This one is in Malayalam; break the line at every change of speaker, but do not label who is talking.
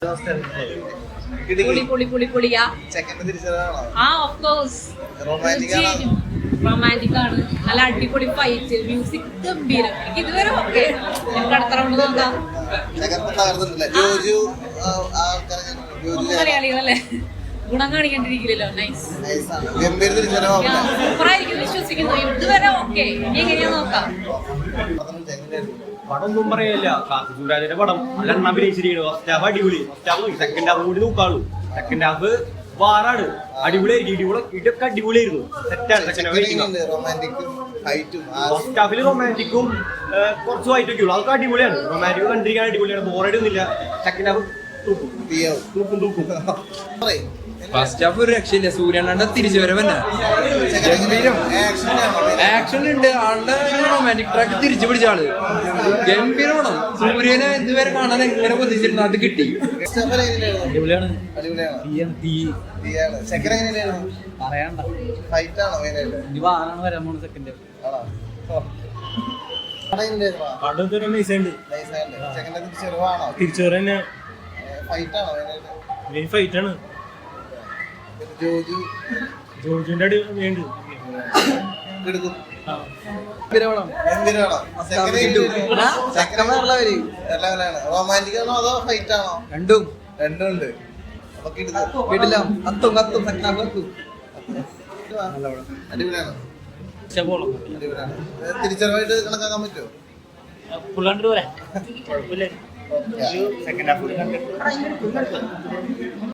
റൊമാൻറ്റിക് ആണ്, നല്ല അടിപൊളി ഫൈറ്റ്, മ്യൂസിക് ഗംഭീരം. എനിക്ക് ഇതുവരെ ഓക്കെ. നമുക്ക് അടുത്ത റൗണ്ട് നോക്കാം. മലയാളികളല്ലേ, ഗുണം കാണിക്കേണ്ടിരിക്കില്ലല്ലോ. നൈസ്, സൂപ്പറായിരിക്കും വിശ്വസിക്കുന്നു. ഇതുവരെ ഓക്കെ. ഇനി എങ്ങനെയാ നോക്കാം.
പടം ഒന്നും പറയല്ല. സൂരാജിന്റെ പടം നല്ല അഭിനയിച്ചിരിക്കുന്നു. ഫസ്റ്റ് ഹാഫ് അടിപൊളി, സെക്കൻഡ് ഹാഫ് കൂടി നോക്കാളൂ. സെക്കൻഡ് ഹാഫ് വാറാണ്, അടിപൊളിയായിരിക്കും. ഇതൊക്കെ അടിപൊളിയായിരുന്നു, സെറ്റാണ്. സെക്കൻഡ് ഫസ്റ്റ് ഹാഫിൽ റൊമാൻറ്റിക്കും കുറച്ച് വൈറ്റൊക്കെ ഉള്ളു, അതൊക്കെ അടിപൊളിയാണ്. റൊമാൻറ്റിക് കണ്ടിരിക്കാൻ അടിപൊളിയാണ്, ബോറടിയൊന്നുമില്ല. സെക്കൻഡ് ഹാഫ് തൂക്കും.
ഫസ്റ്റ് ഹാഫ് ഒരു രക്ഷയില്ല. സൂര്യണ്ണന്റെ തിരിച്ചുവരവന്നെ ഗംഭീരം. ആക്ഷൻ ഉണ്ട്, ആളുടെ റൊമാൻറ്റിക് ട്രാക്ക് തിരിച്ചു പിടിച്ച ആള് ഗംഭീരമാണ്. സൂര്യനെ ഇതുവരെ കാണാൻ എങ്ങനെ കൊതിച്ചിരുന്നു, അത് കിട്ടി.
തിരിച്ചുവരന്നെ ഫൈറ്റാണ്. ജോജുവിന്റെ അടി വേണ്ടി
റൊമാൻറ്റിക് ആണോ അതോ ഫൈറ്റ് ആണോ?
രണ്ടും
രണ്ടുണ്ട്. അടിപൊളിയാണ്. തിരിച്ചറിവായിട്ട് കണക്കാക്കാൻ പറ്റുമോ?
Second half